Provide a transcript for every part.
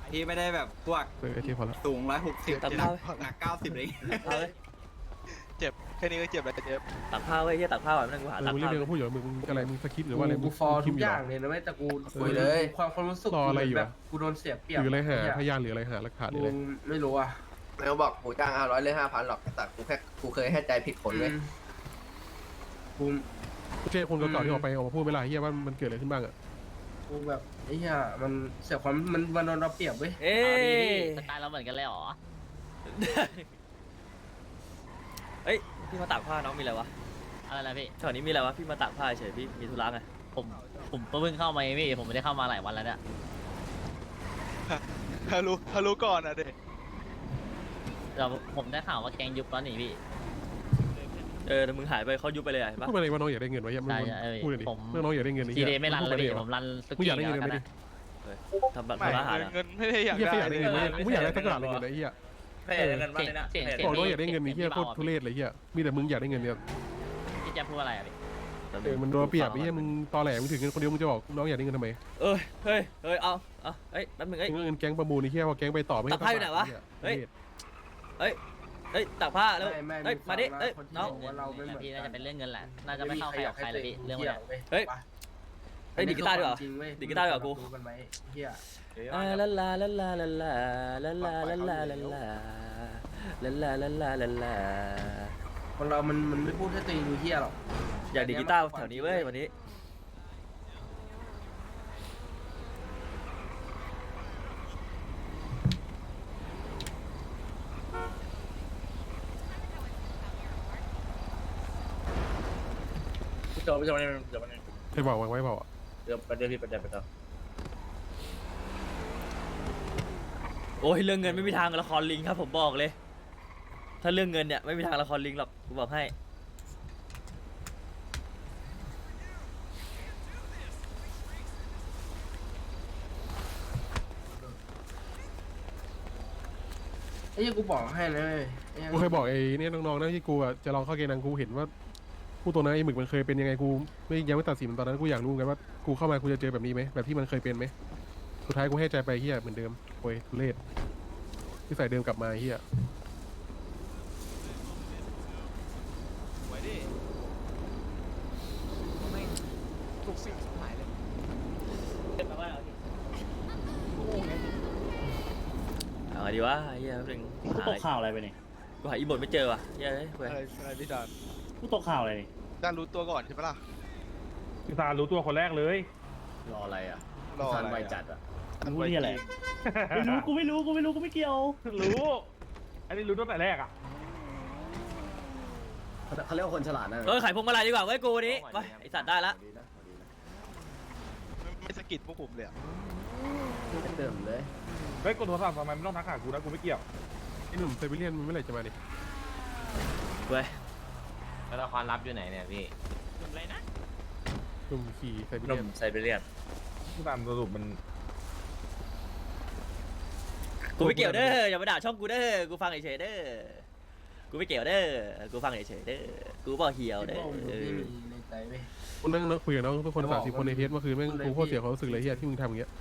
ที่ไม่ได้แบบพวกไอ้ที่พอละสูง160 ตัดผ้าหนัก90เลยเอาเลยเจ็บแค่นี้ก็เจ็บแล้วเจ็บตักผ้าไว้ที่ตักผ้าก่อนนั่งกูหาตักมึงเรียผ้ากเรียกพูดอยู่มึงอะไรมึงสคริปต์หรือว่าอะไรกูฟอร์ทุกอย่างเลเลยนะไม่แต่กูคุยเลยความรู้สึกรออะไรอยู่แบอะบกูโดนเสียเปรียหบรืออะไรหาพยานหรืออะไรหาหลักฐานหรืออะไรกูไม่รู้อ่ะไม่เขาบอกกูจ้าง500เลย5,000หรอกแต่กูเคยให้ใจผิดคนเลยกูกูเจอคนเก่าๆที่ออกมาพูดเวลาเฮียว่ามันเกิดอะไรขึ้นบ้างอ่ะกูแบบไอ้เหี้ยมันเสียความมันโดนเราเปรียบเว้ยเอ้ยสไตล์เราเหมือนกันเลยเหรอเอ้ยพี่มาตากผ้าน้องมีอะไรวะอะไรนะพี่แถวนี้มีอะไรวะพี่มาตากผ้าเฉยพี่มีธุระไงผมเพิ่งเข้ามาเองพี่ ผมไม่ได้เข้ามาหลายวันแล้วเนี่ยถ้ารู้ก่อนอ่ะเด็กเราผมได้ข่าวว่าแกงยุบแล้วนี่พี่แต่มึงหายไปเขายุบไปเลยเห็นปะพูดมาเลยว่าน้องอยากได้เงินไว้ยังมึงใช่ใช่พูดเลยดิผมเรื่องน้องอยากได้เงินทีเดย์ไม่รันเลยพี่ผมรันสมึงกีอยากได้แล้เงินวกันไหมดินะทำแบบไม่ทำอาหารอะเงินไม่ได้อยากเฮียได้แค่อยากได้เงินไหมกูไม่อยากได้สักบาทเลยเงินไอ้เฮียเฮ้ยเงินบ้านเลยนะเสียงบอกน้องอยากได้เงินนี่เฮียโคตรทุเรศเลยเฮียมีแต่มึงอยากได้เงินเนี่ยพี่จะพูดอะไรอ่ะพี่มันโดนเปรียบไอ้เฮียมึงตอแหลมึงถึงเงินคนเดียวมึงจะบอกน้องอยากได้เงินทำไมเฮ้ยเอาเอ้ยแป๊บนึงเอ้ยเงินแก๊งประมูลไอ้เฮียพอแก๊งไปต่อไม่ตัดไพ่อยู่ไหนวะเฮ้ย ตากผ้าแล้วไม่เฮ้ยมาดิเอ้ยคนที่น้องบอกว่าเราไม่เหมือนพี่น่าจะเป็นเรื่องเงินแหละ น่าจะไม่เข้าใครออกใครเลยพี่เรื่องเหี้เนี้ยยเว้ยเฮ้ย เฮ้ยดีดกีตาร์ดีกว่าจริงเว้ยดีดกีตาร์ดีกว่ากูดูกันไหมเหี้ยลาลาลาลาลาลาลาลาลาลาลาลาลาลาลาลาลาคนเรามันไม่พูดให้ตัวเองดูเหี้ยหรอกอยากดีดกีตาร์แถวนี้เว้ยวันนี้พี่โจพี่โจนี่เดี๋ยวมันเคยบอกวางไว้เปล่าอ่ะเดี๋ยวประเดี๋ยวพี่ประเดี๋ยวโอ้ยเรื่องเงินไม่มีทางละครลิงครับผมบอกเลย ถ้าเรื่องเงินเนี่ยไม่มีทางละครลิงหรอกกูบอกให้ไอ้เหี้ยกูบอกให้นะเว้ยไอ้หี้กูเคยบอกไอ้เนี่ยน้องๆนะที่กูอ่ะจะลองเข้าเกณฑ์นังกูเห็นว่าพูดตัวนั้นไอ้หมึกมันเคยเป็นยังไงกูยังไม่ตัดสินมันตอนนั้นกูอยากรู้กันว่ากูเข้ามากูจะเจอแบบนี้ไหมแบบที่มันเคยเป็นไหมสุดท้ายกูให้ใจไปเฮียเหมือนเดิมโอ้ยทุเรศที่ใส่เดิมกลับมาเฮียไว้ดิไม่ทุกสิ่งทุกหมายเลยเอาไงดีวะเฮียแป๊บนึงกูตกข่าวอะไรไปนี่กูหาอีบทไม่เจอว่ะเฮียเฮ้ยเว้ยอะไรพี่ดานกูตกข่าวอะไรนี่ดานรู้ตัวก่อนใช่ปะล่ะพี่ซานรู้ตัวคนแรกเลยรออะไรอ่ะรอทัอะนไรไวอะจัดอ่ะรู้ที่อะไร ไม่รู้กูไม่รู้กูไม่เกี่ยวรู้ อันนี้รู้ตั้งแต่แรกอ่ะเขาเรียกว่าคนฉลาดนะขายพวงมาลัยดีกว่าเว้ยกูวันนี้ไปไอสัตว์ได้ละไม่สะกิดพวกผมเลยอะเติมเลยเฮ้ยกดโทรศัพท์ทำไมไม่ต้องทักหากูนะกูไม่เกี่ยวไอ้หนุ่มไซบีเรียนมันเมื่อไหร่จะมาดิเว้ยแล้วละครลับอยู่ไหนเนี่ยพี่หนุ่มขี่ไซบีหนุ่เรียมนไซเบเรียนผู้ตามสรุปมันกูไม่เกี่ยวเด้ออย่ามาด่าช่องกูเด้อกูฟังเฉยๆเด้อกูไม่เกี่ยวเด้อกูฟังเฉยๆเด้อกูบอกเหี่ยวเด้อที่มีในใจเว้ยกูนั่งคุยกับน้องทุกคน30 คนในเทสเมื่อคืนแม่งกูโคตรเสียความรู้สึกเลยเฮียที่มึงทำอย่างเงี้ย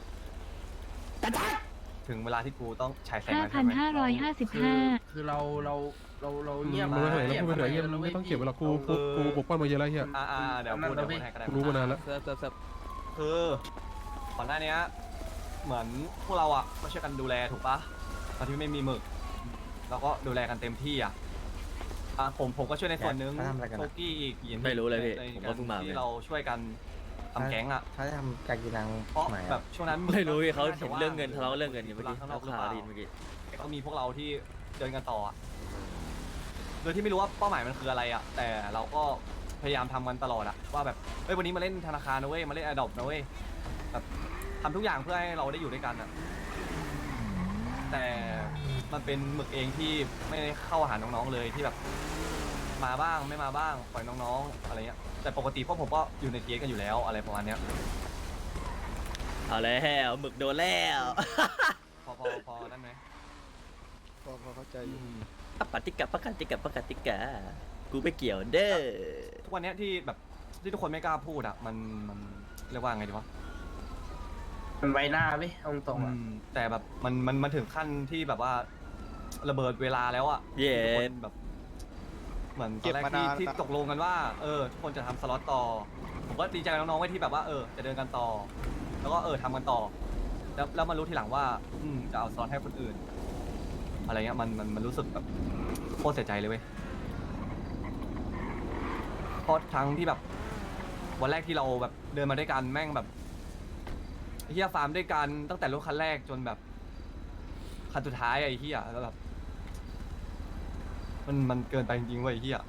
ถึงเวลาที่กูต้องฉายแสงคือเราเงียบมึงไม่เห็นแล้วพูดไปเถอะเฮียมึงไม่ต้องเก็บไว้หรอกกูปกป้องมาเยอะแล้วเฮียเดี๋ยวพูดให้ก็ได้กูรู้มานานแล้วคือก่อนหน้านี้เหมือนพวกเราอ่ะก็ช่วยกันดูแลถูกปะตอนที่ไม่มีหมึกเราก็ดูแลกันเต็มที่อ่ะผมก็ช่วยในส่วนนึงโชกี้อีกยินไม่รู้เลยพี่ในผมก็เพิ่งมาที่เราช่วยกันทำแก๊งอ่ะถ้าจะทำการกินนังเพราะแบบช่วงนั้นไม่รู้พี่เขาเห็นเรื่องเงินทะเลาะเรื่องเงินอยู่เมื่อกี้ข้างนเขาอกหรือคาเปล่าดินเมื่อกี้ก็มีพวกเราที่เดินกันต่ออะโดยที่ไม่รู้ว่าเป้าหมายมันคืออะไรอ่ะแต่เราก็พยายามทำกันตลอดอะว่าแบบเฮ้ยวันนี้มาเล่นธนาคารนะเว้ยมาเล่นอดอปนะเว้ยแบบทำทุกอย่างเพื่อให้เราได้อยู่ด้วยกันอะแต่มันเป็นหมึกเองที่ไม่ได้เข้าหาน้องๆเลยที่แบบมาบ้างไม่มาบ้างปล่อยน้องๆอะไรเงี้ยแต่ปกติพวกผมก็อยู่ในเทียกันอยู่แล้วอะไรประมาณเนี้ยเอาแล้วหมึกโดนแล้วพอได้ไหมพอเข้าใจอยู่ปฏิกะกูไม่เกี่ยวเด้อทุกวันเนี้ยที่แบบที่ทุกคนไม่กล้าพูดอะมันเรียกว่าไงดีวะมันไว้หน้าเว้ยเอาตรงๆอะแต่แบบมันถึงขั้นที่แบบว่าระเบิดเวลาแล้วอ่ะเย้ทุกคนแบบเหมือนตอนแรกที่ตกลงกันว่าทุกคนจะทำสล็อตต่อผมก็ดีใจกับน้องๆไว้ที่แบบว่าจะเดินกันต่อ แล้วก็ทำกันต่อ แล้วมารู้ทีหลังว่าจะเอาสล็อตให้คนอื่น อะไรเงี้ยมันรู้สึกแบบโคตรเสียใจเลยเว้ยเพราะทั้งที่แบบวันแรกที่เราแบบเดินมาด้วยกันแม่งแบบเฮียฟาร์มด้วยกันตั้งแต่รถคันแรกจนแบบคันสุดท้ายไอ้เฮียแล้วแบบมันเกินไปจริงๆเว้ยไอ้เฮีย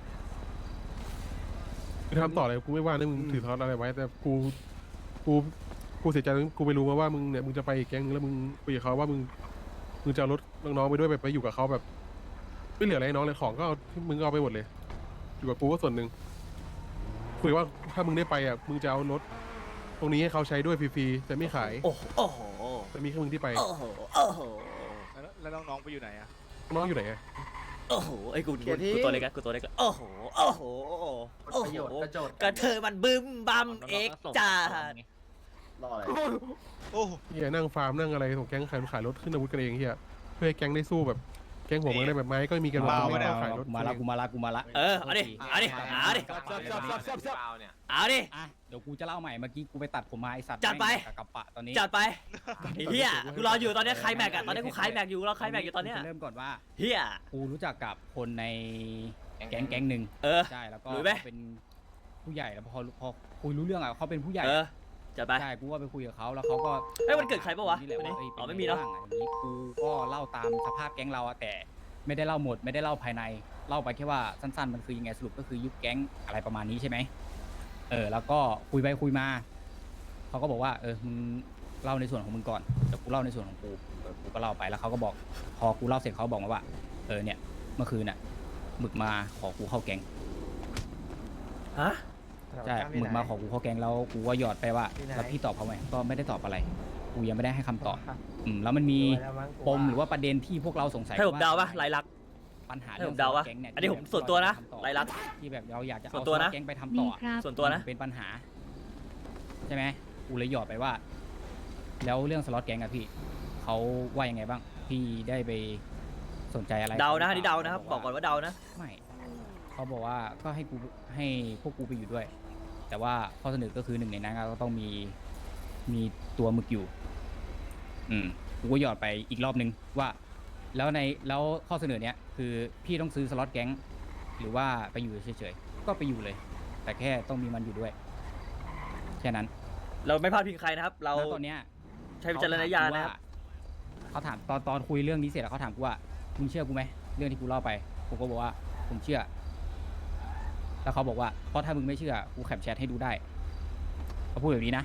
กูทำต่อเลยกูไม่ว่านะมึงถือทอดอะไรไว้ แต่กูเสียใจตรงที่กูไปรู้มาว่ามึงเนี่ยมึงจะไปอีกแก๊งนึงแล้วมึงคุยกับเขาว่ามึงจะเอารถน้องๆไปด้วยแบบไปอยู่กับเขาแบบไม่เหลืออะไรให้น้องเลยของก็เอามึงก็เอาไปหมดเลย อยู่กับกูก็ส่วนหนึ่งคุยว่าถ้ามึงได้ไปอ่ะมึงจะเอารถตรงนี้ให้เขาใช้ด้วยฟรีๆแต่ไม่ขายโอ้โหแต่มีแค่มึงที่ไปโอ้โหโอ้โหแล้วน้องๆไปอยู่ไหนอะน้องอยู่ไหนอะโอ้โหไอ้กูตัวเล็กอะกูตัวเล็กอะโอ้โหโอ้โหโอ้ประโหโยชน์กระโจดกระเทยมันบึ้มบัมเอ็กจ้ารออะไรโอ้เฮียนั่งฟาร์มนั่งอะไรของแก๊งขายรถขึ้นอาวุธกันเองเฮียเพื่อให้แก๊งได้สู้แบบแก๊งหัวเมืองได้แบบไม้ก็มีกันว่าไม่ต้องขายรถกูมาละเอาดิเอาดิเอาดิเอาดิอ่ะเดี๋ยวกูจะเล่าใหม่เมื่อกี้กูไปตัดผมมาไอสัตว์จัดไปแม่งกับปะตอนนี้จัดไปไอ้เฮียกูรออยู่ตอนนี้ใครแม็กอะตอนนี้กูขายแม็กอยู่รอใครแม็กอยู่ตอนเนี้ยจะเริ่มก่อนว่าเฮียกูรู้จักกับคนในแก๊งหนึ่ง ใช่แล้วก็รู้ไหมเขาเป็นผู้ใหญ่แล้วพอคุยรู้เรื่องอ่ะเขาเป็นผู้ใหญ่จัดไปใช่กูว่าไปคุยกับเขาแล้วเขาก็เฮ้ยวันเกิดใครปะวะนี่แหละว่าวันนี้เอ้ยอ๋อป็ไม่มีเนอะบ้างอย่างนี้กูก็เล่าตามสภาพแก๊งเราอะแต่ไม่ได้เล่าหมดไม่ได้เล่าภายในเล่าไปแค่ว่าสั้นๆมันคือยังไงสรุปก็คือยุบแก๊งอะไรประมาณนี้ใช่ไหมแล้วก็คุยไปคุยมาเขาก็บอกว่ามึงเล่าในส่วนของมึงก่อนเดี๋ยวกูเล่าในส่วนของกูกูก็เล่าไปแล้วเขาก็บอกพอกูเล่าเสร็จเขาบอกมาว่าเนี่ยเมื่อคืนน่ะหมึกมาขอกูเข้าแก๊งฮะใช่หมึกมาขอกูเข้าแก๊งแล้วกูก็หยอดไปว่าแล้วพี่ตอบเขาไหมก็ไม่ได้ตอบอะไรกูยังไม่ได้ให้คำตอบแล้วมันมีปมหรือว่าประเด็นที่พวกเราสงสัยให้ผมเดาปะลายลักษณ์ปัญหาให้เรื่ผองมเดาปะแก๊งเนี่ยอันนี้ผมส่วนตัวนะลายลักษณ์ที่แบบเราอยากจะส่เอาวนตัวนะแก๊งไปทำต่อส่วนตัวนะเป็นปัญหาใช่ไหมกูเลยหยอดไปว่า แล้วเรื่องสล็อตแก๊งอะพี่เขาว่ายังไงบ้างพี่ได้ไปสนใจอะไรเดานะอันนี้เดานะครับบอกก่อนว่าเดานะไม่เขาบอกว่าก็ให้พวกกูไปอยู่ด้วย แต่ว่าข้อเสนอก็คือหนึ่งในนั้นก็ต้องมีตัวหมึกอยู่กูก็หยอดไปอีกรอบนึงว่า แล้วข้อเสนอเนี้ยคือพี่ต้องซื้อสล็อตแก๊งหรือว่าไปอยู่เฉยๆก็ไปอยู่เลย แต่แค่ต้องมีมันอยู่ด้วยแค่นั้นเราไม่พลาดพิงใครนะครับ เราแล้วตอนเนี้ยใช้วิจารณญาณนะครับเขาถามตอนคุยเรื่องนี้เสร็จแล้วเขาถามกูว่ามึงเชื่อกูไหมเรื่องที่กูเล่าไปกูก็บอกว่าผมเชื่อ แล้วเขาบอกว่าเพราะถ้ามึงไม่เชื่อกูแคปแชทให้ดูได้เขาพูดแบบนี้นะ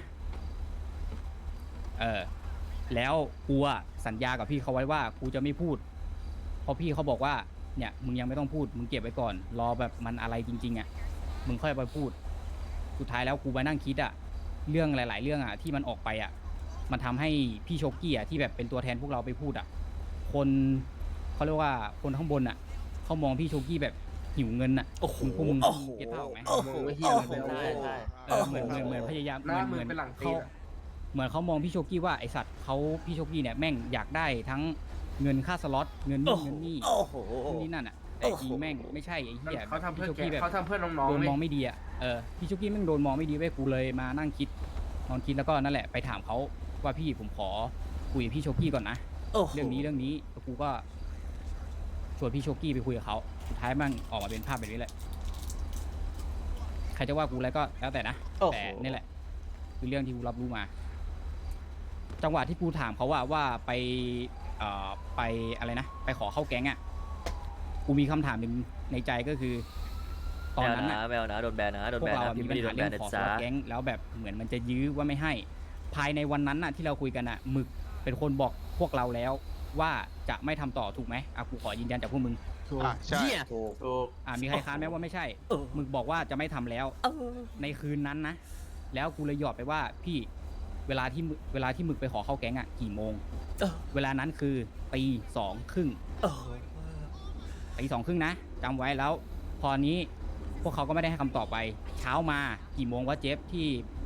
แล้วกูอะสัญญากับพี่เขาไว้ว่ากูจะไม่พูดเพราะพี่เขาบอกว่าเนี่ยมึงยังไม่ต้องพูดมึงเก็บไว้ก่อนรอแบบมันอะไรจริงๆอะมึงค่อยไปพูดสุดท้ายแล้วกูไปนั่งคิดอะเรื่องหลายๆเรื่องอะที่มันออกไปอะมันทำให้พี่โชกี้อะที่แบบเป็นตัวแทนพวกเราไปพูดอะคนเขาเรียกว่าคนข้างบนอะเขามองพี่โชกี้แบบหิวเงินอะโอ้โหพวกมึงโอ้โหเก็ตภาพออกไหมโอ้โหมึงไม่เหี้ยเลยโอ้โหเว้ยเหมือนพยายามหน้าเหมืมืออนเป็นหลังตีเขานอะเหมือนเขามองพี่โชกี้ว่าไอสัตว์พี่โชกี้เนี่ยแม่งอยากได้ทั้งเงินค่าสล็อตเงินนู่นเงินนี่โอ้โหนู่นนี่นั่นอ่ะแต่จริงแม่งไม่ใช่ไอ้เหี้ยเขาทำเพื่อพี่โชแกกี้แบบเขาทำเพื่อน้องโดๆนเว้ยมองไม่ดีอ่ะพี่โชกี้แม่งโดนมองไม่ดีเว้ยกูเลยมานั่งคิดนอนคิดแล้วก็นั่นแหละไปถามเขาว่าพี่ผมขอคุยกับพี่โชกี้ก่อนนะโอ้โหเรื่องนี้แล้วกูก็ชวนพี่โชกี้ไปคุยกับเขาสุดท้ายแม่งออกมาเป็นภาพแบบนี้แหละใครจะว่ากูอะไรก็แล้วแต่นะโอ้โหแต่นี่แหละ คือเรื่องที่กูรับรู้มา จังหวะที่กูถามเขาว่าไปอะไรนะไปขอเข้าแก๊งอ่ะกูมีคำถามหนึ่งในใจก็คือ ตอนนั้นน่ะแมวนะโดนแบนนะโดนพวแบกนเรานะอะพี่มีไม่ปัญได้หาโดนแบเรื่อน งนะขอสจ๊ะล็อตแก๊งแล้วแบบเหมือนมันจะยื้อว่าไม่ให้ ภายในวันนั้นน่ะที่เราคุยกันอ่ะหมึกเป็นคนบอกพวกเราแล้วว่าจะไม่ทำต่อถูกไหมกูขอยืนยันจากพวกมึงใช่ถูกมีใครค้านไหมว่าไม่ใช่หมึกบอกว่าจะไม่ทำแล้ว ในคืนนั้นนะ แล้วกูเลยหยอดไปว่าพี่เวลาที่หมึกไปขอเข้าแก๊งอ่ะกี่โมง เวลานั้นคือตี 2:30 ตี 2:30นะจำไว้แล้ว พอนี้พวกเขาก็ไม่ได้ให้คำตอบไป เช้ามากี่โมงวะเจฟที่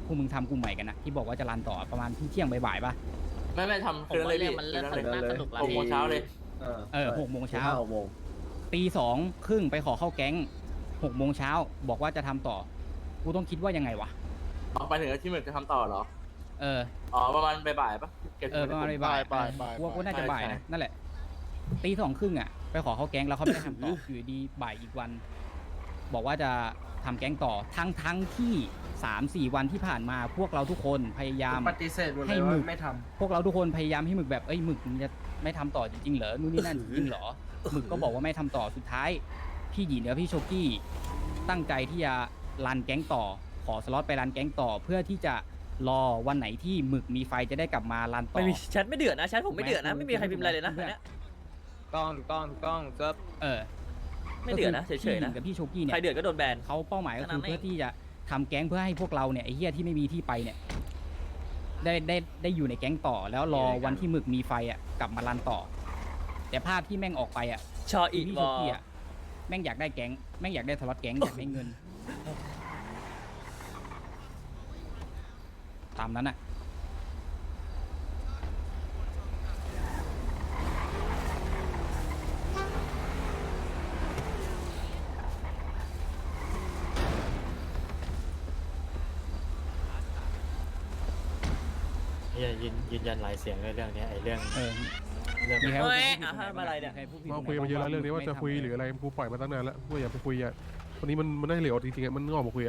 วกมึงทำกลุ่มใหม่กันนะที่บอกว่าจะรันต่อประมาณเที่ยงบ่ายๆป่ะไม่ทำผมว่าเรื่องมันเริ่มสนุกแล้ว 6 โมงเช้าเลย 6 โมงเช้า 6 โมงตี2 ครึ่งไปขอเข้าแก๊ง6 โมงเช้าบอกว่าจะทำต่อกูต้องคิดว่ายังไงวะออกไปถึงที่เหมือนจะทำต่อเหรอ ประมาณบ่ายๆปะประมาณบ่ายกูว่ากูน่าจะบ่ายนะนั่นแหละตี2 ครึ่งไปขอเข้าแก๊งแล้วเขาไม่ได้ทำต่อ อยู่ดีบ่ายอีกวัน บอกว่าจะทำแก๊งต่อทั้งที่3-4 วันที่ผ่านมาพวกเราทุกคนพยายามปฏิเสธหมดเลให้ยหมึว่าก ไม่ทำพวกเราทุกคนพยายามให้หมึกแบบหมึกมึงจะไม่ทำต่อจริงๆเหรอนู่นนี่นั่นจริงเหรอหมึกก็บอกว่าไม่ทำต่อสุดท้ายพี่หยีกับพี่โชกี้ตั้งใจที่จะรันแก๊งต่อขอสล็อตไปรันแก๊งต่อเพื่อที่จะรอวันไหนที่หมึกมีไฟจะได้กลับมารันต่อไม่มีแชทไม่เดือดนะแชทผมไม่เดือดนะไม่มีใครพิมพ์อะไรเลยนะอันเนี้ยถูกต้องก็ไม่เดือดนะเฉยๆนะพี่หยีกับพี่โชกี้เนี่ใครยเดือดก็โดนแบนเขาเป้าหมายก็คือขนาดนั้นเพื่อที่จะทำแก๊งเพื่อให้พวกเราเนี่ยไอ้เหี้ยที่ไม่มีที่ไปเนี่ยได้อยู่ในแก๊งต่อแล้วรอวันที่หมึกมีไฟกลับมารันต่อ แต่ภาพที่แม่งออกไปชออีพี่วโชอกี้แม่งอยากได้แก๊งแม่งอยากได้สล็อตแก๊งอยากได้เงิน ตามนั้นอ่ะยืนยันหลายเสียงในเรื่องนี้ไอ้เรื่องมีใครเฮ้ยพูดอะไรเนี่ยมีใครพูดผิดมาคุยกันมาเยอะแล้วเรื่องนี้ว่าจะคุยหรืออะไรกูปล่อยมาตั้งนานแล้วกูอยากไปคุยวันนี้มันได้เหลวจริงๆมันออกมาคุย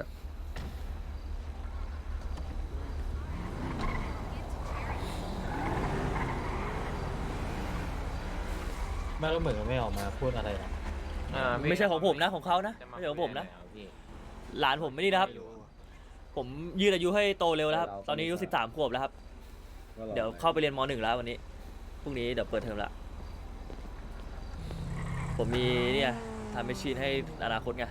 ไม่รู้เหมือนไม่ออกมาพูดอะไรหรอกไม่ใช่ของผมนะของเขานะไม่ใช่ของผมนะหลานผมไม่นี่นะครับ ผมยืดอายุให้โตเร็วแล้วครับตอนนี้อายุ13 ขวบแล้วครับเดี๋ยวเข้าไปเรียนม .1 แล้ววันนี้พรุ่งนี้เดี๋ยวเปิดเทอมละผมมีเนี่ยทำแมชชีนให้อนาคตไง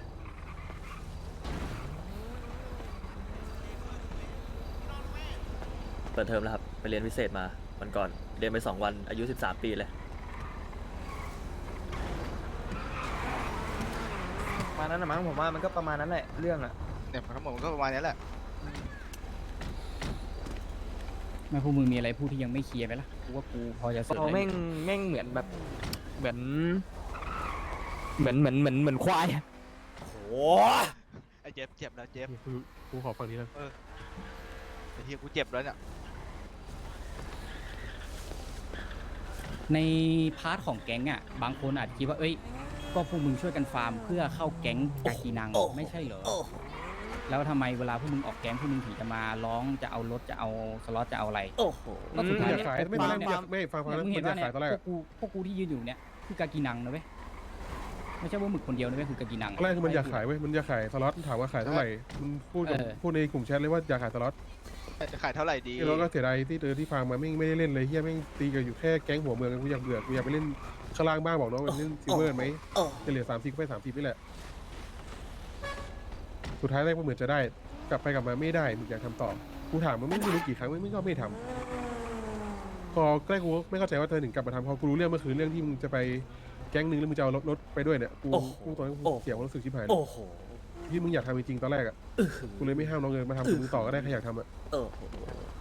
เปิดเทอมแล้วครับไปเรียนพิเศษมาวันก่อนเรียนไป2 วันอายุ13 ปีเลยประมาณนั้นนะมั้งผมว่ามันก็ประมาณนั้นแหละเรื่องอ่ะเนี่ยทั้งหมดมันก็ประมาณนี้แหละแม่พวกมึงมีอะไรพูดที่ยังไม่เคลียร์ไหมล่ะกูว่ากูพอจะเสริมเขาได้แม่งเหมือนแบบเหมือนควายอะโอ้ไอ้เจ็บแล้วเจ็บกูขอฟังนี้แล้วไอ้เฮียกูเจ็บแล้วเนี่ยในพาร์ทของแก๊งบางคนอาจจะคิดว่าก็พวกมึงช่วยกันฟาร์มเพื่อเข้าแก๊งกากีนังไม่ใช่เหรอแล้วทำไมเวลาพวกมึงออกแก๊งพวกมึงถึงจะมาร้องจะเอารถจะเอาสล็อตจะเอาอะไรโอ้โหก็สุดท้ายอยากขายไม่ฟังแล้วมึงมัเห็นนอยาว่าก เนี่ขายยตอนแรกพวกกูที่ยืนอยู่เนี่ยคือกากีนังนะเว้ยไม่ใช่ว่าหมึกคนเดียวนะเว้ยคือกากีนังตอนแรกคือมันอยากขายเว้ยมันอยากขายสล็อตถามว่าขายเท่าไหร่มันพูดในกลุ่มแชทเลยว่าอยากขายสล็อตจะขายเท่าไหร่ดีแล้วก็เสียดายที่ฟังมาไม่ได้เล่นเลยเฮียไม่ตีกันอยู่แค่แก๊งหัวเมืองกูอยากเบื่อกูอยากไปเล่นข้างล่างบ้างบอกน้องไปเล่นซิลเวอร์ไหมจะเหลือ30ไป30นี่แหละสุดท้ายแรกมันเหมือนจะได้กลับไปกลับมาไม่ได้มึงอยากทำต่อกูถามมันไม่รู้กี่ครั้งไม่ก็ไม่ทำพอใกล้กูไม่เข้าใจว่าเธอถึงกลับมาทำพอกูรู้เรื่องเมื่อคืนเรื่องที่มึงจะไปแก๊งนึงแล้วมึงจะเอารถไปด้วยเนี่ยกูตอนนั้นกูเสียความรู้สึกชิบหายโอ้โหที่มึงอยากทำจริงๆตอนแรกกูเลยไม่ห้ามน้องเลยมาทำกับมึงต่อก็ได้ใครอยากทำโอ้โห